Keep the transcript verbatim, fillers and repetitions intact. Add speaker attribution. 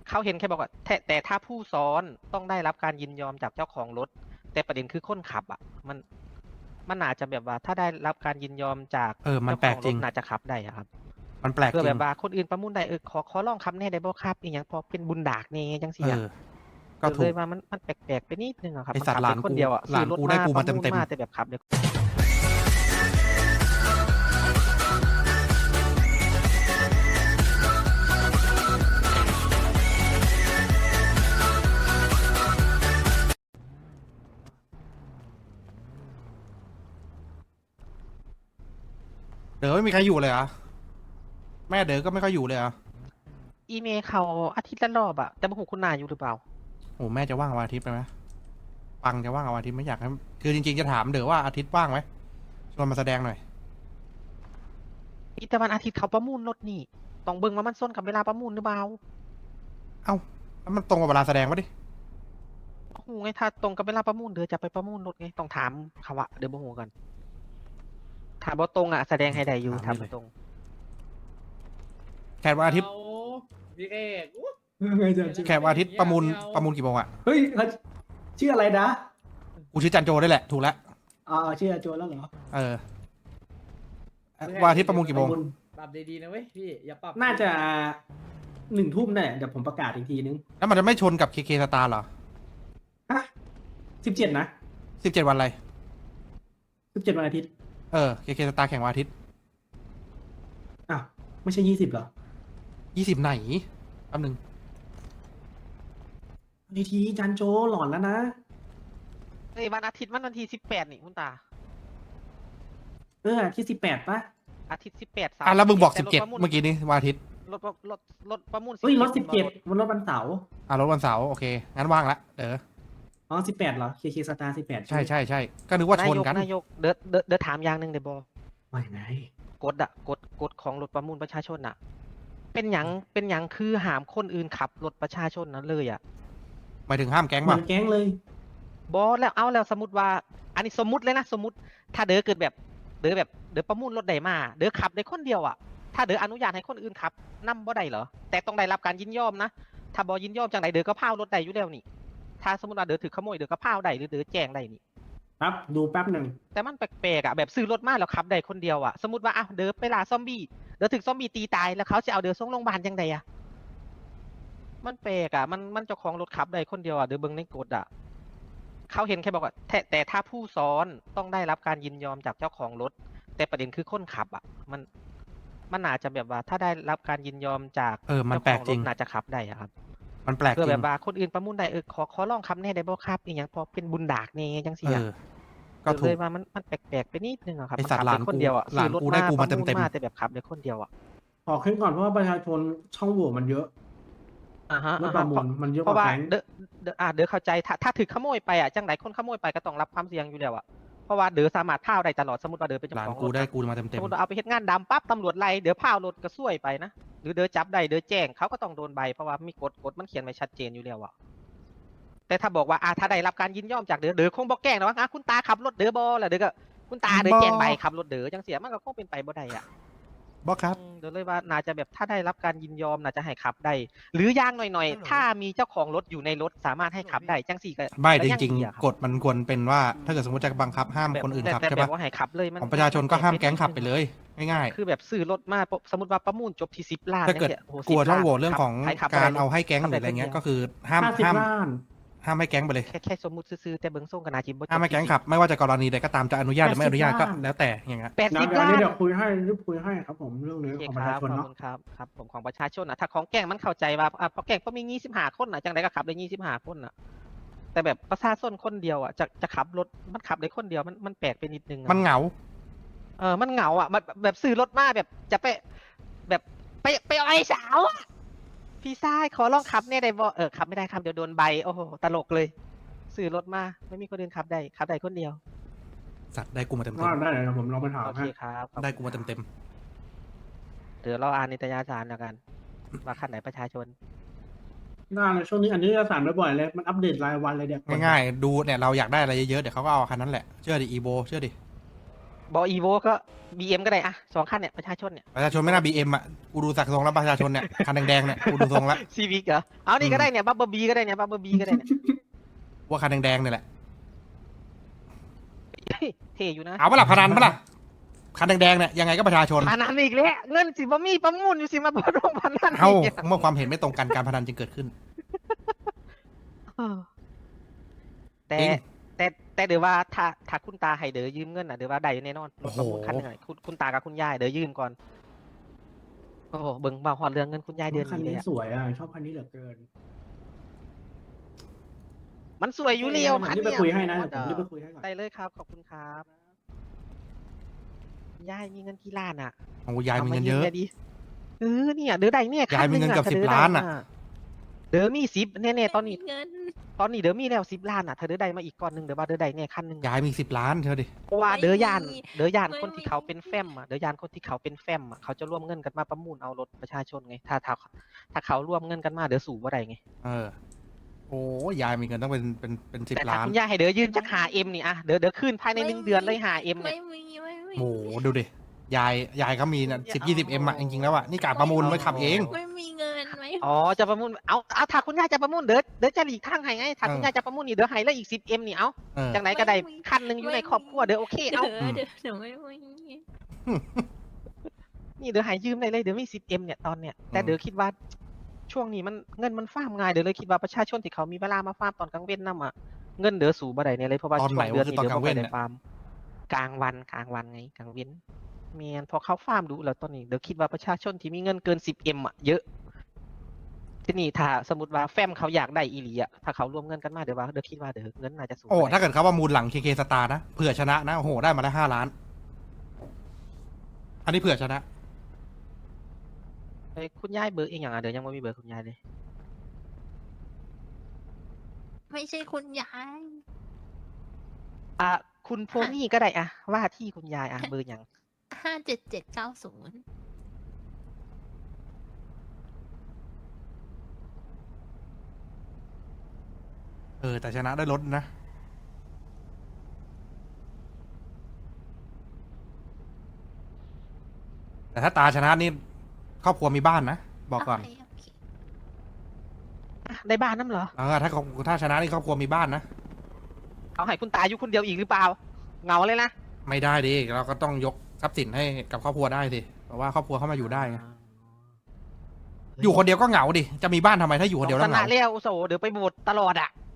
Speaker 1: เขาเห็นแค่บอกว่าแต่แต่ถ้าผู้ซ้อนต้องได้รับการยินยอมจากเจ้าของรถ แต่ประเด็นคือคนขับอ่ะ มันมันอาจจะแบบว่าถ้าได้รับการยินยอมจาก
Speaker 2: เออมัน
Speaker 1: เจ้า
Speaker 2: แปล
Speaker 1: ข
Speaker 2: ก
Speaker 1: อง
Speaker 2: จ
Speaker 1: ร
Speaker 2: ริ
Speaker 1: ถ
Speaker 2: ง
Speaker 1: น่าจะขับได้อะครับ
Speaker 2: มันแปลก
Speaker 1: เพื่อ
Speaker 2: จริ
Speaker 1: แบ
Speaker 2: ง
Speaker 1: บว่าคนอื่นประมูลได้เออขอขอลองขับแหน่ได้บ่ครับอีหยังพอเป็นบุญดากแหน่จังซี่
Speaker 2: เอ
Speaker 1: อะ
Speaker 2: อ
Speaker 1: เอ
Speaker 2: ก็
Speaker 1: อ
Speaker 2: ถ
Speaker 1: เลู ย
Speaker 2: ก
Speaker 1: ว่ามันมันแปลก ๆ ไปนิดหนึ่งอะครับ
Speaker 2: ไอ้
Speaker 1: มัน
Speaker 2: สัต
Speaker 1: ขั
Speaker 2: ว์
Speaker 1: บ
Speaker 2: หลา
Speaker 1: ได้
Speaker 2: น
Speaker 1: คน
Speaker 2: กู
Speaker 1: เดียวอะ
Speaker 2: หลา
Speaker 1: ซื้
Speaker 2: น
Speaker 1: อรถ
Speaker 2: กู
Speaker 1: มา
Speaker 2: ได้กู
Speaker 1: ป
Speaker 2: มา
Speaker 1: ระ
Speaker 2: เต็
Speaker 1: มูล
Speaker 2: ม
Speaker 1: มา
Speaker 2: ๆ
Speaker 1: แต่แบบขับได้
Speaker 2: เด๋อไม่มีใครอยู่เลยเหรอ แม่เด๋อก็ไม่ค่อยอยู่เลยเหรอ
Speaker 1: อีเมลเขาอาทิตย์ละรอบอะแต่บ่ฮู้คุณน้าอยู่หรือเปล่า
Speaker 2: โอ้แม่จะว่างวันอาทิตย์ไปไหมปังจะว่างวันอาทิตย์ไม่อยากให้คือจริงๆจะถามเด๋อว่าอาทิตย์ว่างไหมชวนมาแสดงหน่อย
Speaker 1: มีแต่วันอาทิตย์เขาประมูลรถนี่ต้องเบิ่งว่ามันส้นกับเวลาประมูลหรือเปล่า
Speaker 2: เอ้าแล้วมันตรงกับเวลาแสดงปะดิ
Speaker 1: บ่ฮู้ไงถ้าตรงกับเวลาประมูลเดี๋ยวจะไปประมูลรถไงต้องถามเขาอะเดี๋ยวบ่ฮู้กันถ้าบ่ตรงอะแสดงให้ได้อยู่
Speaker 2: ถาม
Speaker 1: ถ้า
Speaker 2: นี่เล
Speaker 1: บ่
Speaker 2: ย
Speaker 1: ตรง
Speaker 2: แขกวันอาทิตย์
Speaker 3: เอาพี่เอกอุ๊ย
Speaker 4: ไงจะ
Speaker 2: แขกวันอาทิตย์ประมูลประมูลกี่โมงอะ
Speaker 4: เฮ้ยเขาชื่ออะไรนะ
Speaker 2: กูชื่อจันโจได้แหละถูกแล้ว
Speaker 4: อ่าชื่ออาโจแล้วเหรอ
Speaker 2: เออวันอาทิตย์ประมูลกี่โมง
Speaker 3: ปรับดีๆนะเว้ยพี่อย่าปรับ
Speaker 4: น่าจะหนึ่งทุ่มเนี่ยเดี๋ยวผมประกาศอีกทีนึง
Speaker 2: แล้วมันจะไม่ชนกับเคเคสตาร์เหรอ
Speaker 4: ฮะสิบเจ็ดนะ
Speaker 2: สิบเจ็ดวันอะไร
Speaker 4: สิบเจ็ดวันอาทิตย์
Speaker 2: เออเคเคสตาร์แข่งวันอาทิตย์
Speaker 4: อ้าวไม่ใช่ยี่สิบเหรอ
Speaker 2: ยี่สิบไหนแป๊บนึง
Speaker 4: ทีทีจันโจหลอนแล้วนะ
Speaker 1: เอ้ยวันอาทิตย์มันวันที่สิบแปดนี่คุณตา
Speaker 4: เออที่สิบแปดปะ
Speaker 1: อาทิตย์สิบแปด
Speaker 2: อ่ะแล้วมึงบอกสิบ
Speaker 1: แต่
Speaker 2: เจ็ด
Speaker 1: รถประมูล
Speaker 2: เมื่อกี้นี้วันอาทิตย์
Speaker 1: รถประรถรถประมูล
Speaker 4: เฮ้ยรถสิบเจ็ด
Speaker 1: รถ
Speaker 4: วันรถวันเสาร์
Speaker 2: อ่ะรถวันเสาร์โอเคงั้นว่างละเด้อ
Speaker 4: อ๋อสิบแปดเหรอเคเคสตาร์สิบแปด
Speaker 2: ใช่ใช่ใช่ก็นึกว่าชนกัน
Speaker 1: นายกเด้อเด้อเด้อถามอย่างหนึงได้บ่
Speaker 4: ว่าไง
Speaker 1: กฎอะกฎกฎของรถประมูลประชาชนอะเป็นหยังเป็นหยังคือห้ามคนอื่นขับรถประชาชนนั้นเลยอะ
Speaker 2: หมายถึงห้ามแก๊ง
Speaker 4: เหมื
Speaker 2: ป่ะ
Speaker 4: อนแก๊งเลย
Speaker 1: บอแล้วเอาแล้วสมมติว่า อันนี้สมมุติเลยนะสมมติ ถ้าเด้อเกิดแบบเด้อแบบเด้อประมูลรถใดมาเด้อขับได้คนเดียวอะถ้าเด้ออนุญาตให้คนอื่นขับนำบ่ได้เหรอแต่ต้องได้รับการยินยอมนะถ้าบ่ยินยอมจังไดเด้อก็พาวรถได้อยู่แล้วนี่ ถ้าสมมติว่าเด้อถือขโมยเด้อก็พาวได้หรือเด้อแจ้งได้นี่
Speaker 4: ครับดูแป๊บหนึ่ง
Speaker 1: แต่มันแปลกๆอะแบบซื้อรถมาแล้วขับได้คนเดียวอะสมมติว่าอ้าวเด้อไปล่าซอมบี้เด้อถึกซอมบี้ตีตายแล้วเขาจะเอาเด้อส่งโรงพยาบาลจังไดอะมันแปลกอะมันมันเจ้าของรถขับได้คนเดียวอะเด้อเบิ่งในกฎอะเขาเห็นแค่บอกว่าแต่แต่ถ้าผู้ซ้อนต้องได้รับการยินยอมจากเจ้าของรถ แต่ประเด็นคือคนขับอะมันมันอาจจะแบบว่าถ้าได้รับการยินยอมจาก
Speaker 2: เออมัน
Speaker 1: เจ้า
Speaker 2: แปล
Speaker 1: ข
Speaker 2: ก
Speaker 1: อง
Speaker 2: จ
Speaker 1: ร
Speaker 2: ริ
Speaker 1: ถ
Speaker 2: ง
Speaker 1: น่าจะขับได้อะครับ
Speaker 2: มันแปลก
Speaker 1: เพื่อ
Speaker 2: จริ
Speaker 1: แบ
Speaker 2: ง
Speaker 1: บว่าคนอื่นประมูลได้เออขอขอลองขับแน่ได้บ่ครับอีหยังพอเป็นบุญดากแน่จังซี่
Speaker 2: เอ
Speaker 1: อะ
Speaker 2: อก็
Speaker 1: เออ
Speaker 2: ถู
Speaker 1: เล
Speaker 2: ก
Speaker 1: ยว่ามันมันแปลกๆไปนิดนึงอะครับ
Speaker 2: ไอ้
Speaker 1: มัน
Speaker 2: สัตว์
Speaker 1: ขับ
Speaker 2: หลาน
Speaker 1: ได้คน
Speaker 2: กู
Speaker 1: เดียวอะ
Speaker 2: หลาน
Speaker 1: ซื้อรถ
Speaker 2: กูได้
Speaker 1: มา
Speaker 2: กู
Speaker 1: ป
Speaker 2: มา
Speaker 1: ระมูล
Speaker 2: เต็มๆ
Speaker 1: มาแต่แบบขับได้คนเดียวอะ
Speaker 4: ขอขึ้นก่อนเพราะว่าประชาชนช่องโหว่มันเยอะ
Speaker 1: อ่าฮะ
Speaker 4: รถ
Speaker 1: อ่า
Speaker 4: ป
Speaker 1: ฮะ
Speaker 4: ระมู
Speaker 1: เพราะ
Speaker 4: ลมันเยอะ
Speaker 1: เพ
Speaker 4: กว่า
Speaker 1: ราะว่า
Speaker 4: แก๊ง
Speaker 1: เด้อเด้ออ่าเด้อเข้าใจถ้าถ้าถือขโมยไปอ่ะจังไหนคนขโมยไปก็ต้องรับความเสี่ยงอยู่แล้วอะเพราะว่าเด้อสามารถพาวได้ตลอดสมมติว่าเด้อเป็น
Speaker 2: ห
Speaker 1: เจ้า
Speaker 2: ลาน
Speaker 1: ของร
Speaker 2: กู
Speaker 1: ถ
Speaker 2: ได้
Speaker 1: นะ
Speaker 2: กูมาเต็ม
Speaker 1: ส
Speaker 2: เต็
Speaker 1: ม
Speaker 2: ม
Speaker 1: มติว่าเอาไปเฮ็ดงานดำปั๊บตำรวจไล่เด้อพาวรถก็ซวยไปนะหรือเด้อจับได้เด้อแจ้งเขาก็ต้องโดนใบเพราะว่ามีกฎกฎมันเขียนไว้ชัดเจนอยู่แล้วอะแต่ถ้าบอกว่าอ่าถ้าได้รับการยินยอมจากเด้อเด้อคงบ่แกล้งนะว่าอ่ะคุณตาขับรถเด้อบ่แล้วเด้อก็คุณตาเด้อแจ้งใบขับรถเด้อจังเสียมันก็คงเป็นไปบ่ได้อะ
Speaker 2: บอกครับ
Speaker 1: อืมเดี๋ยวเลยว่าน่าจะแบบถ้าได้รับการยินยอมน่าจะให้ขับได้ หรืออย่างหน่อยๆ ถ้ามีเจ้าของรถอยู่ในรถสามารถให้ขับได้จังสี่ก็
Speaker 2: ไม่
Speaker 1: ก็
Speaker 2: จ
Speaker 1: ยัง
Speaker 2: ริง
Speaker 1: ดีอะคบ
Speaker 2: ๆกฎมันควรเป็นว่าถ้าเกิดสมมติจะบังคับห้าม
Speaker 1: แบบ
Speaker 2: คนอื่น
Speaker 1: แต่
Speaker 2: ขับ
Speaker 1: แต่
Speaker 2: ใช่
Speaker 1: แบ
Speaker 2: ปะ
Speaker 1: บว่าให้ขับเลยมัน
Speaker 2: ของประชาชนก็ห้ามแก๊งขับไปเลยง่าย
Speaker 1: คือแบบซื้อรถมาปุ๊บสมมติว่าประมูลจบที่สิบล้าน
Speaker 2: ๆถ้าเกิด
Speaker 1: นี่ยโโห
Speaker 2: กลัว
Speaker 1: สิบ
Speaker 2: ช่องโหว่
Speaker 1: ล้น
Speaker 2: เรื่องของ
Speaker 1: ขับใคขับ
Speaker 2: การ
Speaker 1: ได้
Speaker 2: เอาให้แก๊ง
Speaker 1: ขั
Speaker 2: ห
Speaker 1: บ
Speaker 2: รืออะไร
Speaker 1: ด้
Speaker 2: เงี้ย
Speaker 1: คนดีว
Speaker 2: ก็คือห้าม
Speaker 4: ห้าสิบ
Speaker 2: ห้าม
Speaker 4: ล้าน
Speaker 2: ห้ามให้แก๊งไปเลย
Speaker 1: แค่แค่สมมติซื้อๆแต่เบิ้งส่งกับนาจิบบ่จบ
Speaker 2: ห้ามให้แก๊ง
Speaker 1: ที่
Speaker 2: ขับไม่ว่าจะกรณีใดก็ตามจะอนุญาตหรือไม่อนุญาตก็
Speaker 4: แปดสิบล้าน
Speaker 2: แล้วแต่อย่างเงี้ย
Speaker 1: แปด
Speaker 4: เดี๋ย
Speaker 1: สิ
Speaker 4: ว
Speaker 1: บ
Speaker 4: เดี๋ยว
Speaker 1: ล้า
Speaker 4: นี้
Speaker 1: น
Speaker 4: เดี๋ยวคุยให้รีบคุยให้ครับผมเรื่องนี้
Speaker 1: โอเค
Speaker 4: ของ
Speaker 1: ค
Speaker 4: ประ
Speaker 1: รั
Speaker 4: ชา
Speaker 1: บ
Speaker 4: ชน
Speaker 1: ขอบ
Speaker 4: เนาะ
Speaker 1: คุณครับครับผมของประชาชนนะถ้าของแก๊งมันเข้าใจว่าอ่ะพอแก๊งก็มียี่สิบห้าคนนะจังไดก็ขับได้ยี่สิบห้าคนนะแต่แบบประชาชนคนเดียวอ่ะจะจะขับรถมันขับได้คนเดียวมันมันแปลกไปนิดนึงอะ
Speaker 2: มันเหงา
Speaker 1: เออ มันเหงาอ่ะมันแบบซื้อรถมาแบบจะไปแบบไปไปเอาไอ้สาวอ่ะ พี่ชายขอลองขับเนี่ยได้บ่เออขับไม่ได้ครับเดี๋ยวโดนใบ โอ้โห ตลกเลย ซื้อรถมาไม่มีคนอื่นขับได้ ขับได้คนเดียว
Speaker 2: สัตว์ได้กูมาเต็ม
Speaker 4: ก็ได้เดี๋ยวผมลองไปถาม
Speaker 1: โอเค
Speaker 4: ให้
Speaker 1: ครับขอบ
Speaker 2: ๆ
Speaker 1: คุณ
Speaker 2: ได้กูมาเต็มเต็ม
Speaker 1: เดี๋ยวเราอ่านนิตยสารแล้วกันว่าขั้นไหนประชาชน
Speaker 4: ได้เลยช่วงนี้อันนี้จะสารบ่อยๆเลยมันอัปเดตรายวันเลยเดี๋ยว
Speaker 2: ๆง่ายๆดูเนี่ยเราอยากได้อะไรเยอะๆเดี๋ยวเขาก็เอาคันนั้นแหละเชื่อดิอีโบเชื่อดิ
Speaker 1: บออีโวก็บีเอ็มก็ได้อะสองคันเนี่ยประชาชนเนี่ย
Speaker 2: ประชาชนไม่น่าบีเอ็มอ่ะกูดูสักทรงแล้วประชาชนเนี่ยคันแดงๆเนี่ยกูดูทรงแล้ว
Speaker 1: ซีวิกเหรอเอานี่
Speaker 2: อืม
Speaker 1: ก็ได้เนี่ยบับเบิลบีก็ได้เนี่ยบับเบิลบีก็ได้เนี่ย
Speaker 2: ว่าคันแดงๆเนี่ยแหละ
Speaker 1: เฮ้ยเท่อยู่นะ
Speaker 2: เอาเปะล่าพนันเปะล่าคันแดงๆเนี่ยยังไงก็ประชาชน
Speaker 1: พนันอีกแล้วเงินสิบ่มีประมูลอยู่สิมาประดงพนัน
Speaker 2: เอา
Speaker 1: อีก
Speaker 2: เมื่อความเห็นไม่ตรงกันการพนันจึงเกิดขึ้น
Speaker 1: เออแต่
Speaker 2: จริง
Speaker 1: แต่แต่เดี๋ยวว่าถ้าถ้าคุณตาให้เดี๋ยวยืมเงินอ่ะเดี๋ยวว่าได้แน่นอนร
Speaker 2: โอ้
Speaker 1: ถ
Speaker 2: โห
Speaker 1: ประมูลคันหนึงอะคุณคุณตากับคุณยายเดี๋ยวยืมก่อนโอ้โหเบิ่งบ่าวฮอดเรื่องเงินคุณยายเดือน
Speaker 4: คัน
Speaker 1: นี้เลย
Speaker 4: นี้
Speaker 1: อะ
Speaker 4: สวยอ่ะ ชอบคันนี้เหลือเกิน
Speaker 1: มันสวยอยู่เลียว
Speaker 4: ผม
Speaker 1: คัน
Speaker 4: รีบไป
Speaker 1: เนี้ย
Speaker 4: คุยให้นะ
Speaker 1: โอ้
Speaker 4: เดี๋ยวผม
Speaker 1: โห
Speaker 4: รีบไปคุยให้ก่อน
Speaker 1: ได้เลยครับขอบคุณครับคุณยายมีเงินกี่ล้านอ่ะ
Speaker 2: โอ้ยายมีเงินเยอะ
Speaker 1: ามาดิเออเนี่ยเดี๋ยวได้เนี่ย
Speaker 2: ยายมีเงิน
Speaker 1: คั
Speaker 2: เกือบ
Speaker 1: ถ้
Speaker 2: สิบ
Speaker 1: ดี๋ยวได้
Speaker 2: ล้านอะ
Speaker 1: เดี๋ยวมีสิบแน่ๆตอนนี้
Speaker 5: ไม่มีเงิน
Speaker 1: ตอนนี้เดี๋ยวมีแล้วสิบล้านอ่ะเธอเดี๋ยวได้มาอีกก้อนหนึ่งเดี๋ยวว่าเดี๋ยวได้เนี่ยคันหนึ่ง
Speaker 2: ยายมีสิบล้านเธอดิ
Speaker 1: เพราะว่า
Speaker 5: ไม่
Speaker 1: เดอยาน
Speaker 5: มี
Speaker 1: เดอยาน
Speaker 5: ไม่
Speaker 1: คนที่
Speaker 5: มี
Speaker 1: เขาเป็นแฟมอ่ะเดอยานคนที่เขาเป็นแฟมอ่ะเขาจะร่วมเงินกันมาประมูลเอารถประชาชนไงถ้าถ้าถ้าเขาร่วมเงินกันมาเดี๋ยวสู่ว่าไรไง
Speaker 2: เออ โอ้ยายมีเงินต้องเป็นเป็นเป็นสิบ
Speaker 1: แต่ถ้า
Speaker 2: ล้าน
Speaker 1: คุณย่าให้เดอยืนจักหาเอ็มนี่อ่ะเดอเดอคืนภายในหนึ่งเดือนเลยหาเอ็มเนี่ย
Speaker 5: ไม่มีไม่มี
Speaker 2: โอ้โหดูดิ ยาย ยายเขามีนะสิบยี่สิบเอ็มอะจริงๆแล้วอะนี่กะประมูลไว้ขับเอง
Speaker 5: ไม่มีเงินไหม
Speaker 1: อ๋อจะประมูลเอาเอาถ้าคุณย่าจะประมูลเดอเดอจะหลีกทางให้ไงถ้าคุณ
Speaker 2: เออ
Speaker 1: ย่าจะประมูลนี่เดอให้แล้วอีกสิบเอ็มนี่เอา
Speaker 2: เออ
Speaker 1: จากไหนก็ได้
Speaker 5: ไม่มี
Speaker 1: คันหนึ่งอยู่ในครอบครัวเดอโอเค
Speaker 5: เดี๋ย
Speaker 1: เอา
Speaker 5: วเดี๋ยวเดี๋ยวไม่มี
Speaker 1: นี่เดอให้ยืมได้เลยเดอมีสิบเอ็มเนี่ยตอนเนี้ยแต่เดอคิดว่าช่วงนี้มันเงินมันฟาร์มง่ายเดอเลยคิดว่าประชาชนที่เขามีเวลามาฟาร์มตอนกลางเว้นนำอ่ะเงินเดอสูบ่ได้เนี่ยเลยเพราะว่า
Speaker 2: ตอน
Speaker 1: ช่
Speaker 2: ไห
Speaker 1: วน งเดือนนี้
Speaker 2: วะคือ
Speaker 1: เดอ
Speaker 2: ตอนกลาง
Speaker 1: บ่
Speaker 2: เว้
Speaker 1: ค่อย
Speaker 2: น
Speaker 1: ได้
Speaker 2: เนี่ย
Speaker 1: ฟาร์มกลางวันกลางวันไงกลางเว้นเมียนพอเขาฟาร์มดูแล้วตอนนี้เดอคิดว่าประชาชนที่มีเงินเกินสิบเอ็มอ่ะเยอะที่นี่ถ้าสมมติว่าแฟมเขาอยากได้อีหลีอ่ะถ้าเขารวมเงินกันมาเดี๋ยวว่าเดอคิดว่าเดอเงินน่าจะสูง
Speaker 2: โอ้
Speaker 1: กว่
Speaker 2: ถ้าเกิดเขาประมูลหลังเคเคสตาร์นะ เผื่อชนะนะ โอ้โห ได้มาได้ห้าล้าน อันนี้เผื่อชนะ
Speaker 1: เอ้ยคุณยายเบอร์เองอย่างอ่ะเดี๋ยวยังไม่มีเบอร์คุณยายเลย
Speaker 5: ไม่ใช่คุณยาย
Speaker 1: อ่ะคุณโพนี่ก็ได้อ่ะว่าที่คุณยายอ่ะเบอร์อย่าง
Speaker 5: ห้าเจ็ดเจ็ดเก้าศูนย์
Speaker 2: เออ แต่ชนะได้รถนะ แต่ถ้าตาชนะนี่ครอบครัวมีบ้านนะ บอกก่อน
Speaker 5: โเคโเค
Speaker 1: อ่ะได้บ้านน้ำเหรอ
Speaker 2: เออ ถ้าครอบถ้าชนะนี่ครอบครัวมีบ้านนะ
Speaker 1: เอาให้คุณตาอยู่คนเดียวอีกหรือเปล่าเหงาเลยนะ
Speaker 2: ไม่ได้ดิ เราก็ต้องยกทรัพย์สินให้กับครอบครัวได้สิ เพราะว่าครอบครัวเข้ามาอยู่ได้ไง อยู่คนเดียวก็เหงาดิ จะมีบ้านทำไมถ้าอยู่คนเดียว
Speaker 1: ช
Speaker 2: แล้วเห
Speaker 1: นะ
Speaker 2: งา
Speaker 1: เลี้ยวโซเดี๋ยวไปโบสถ์ตลอดอ่ะ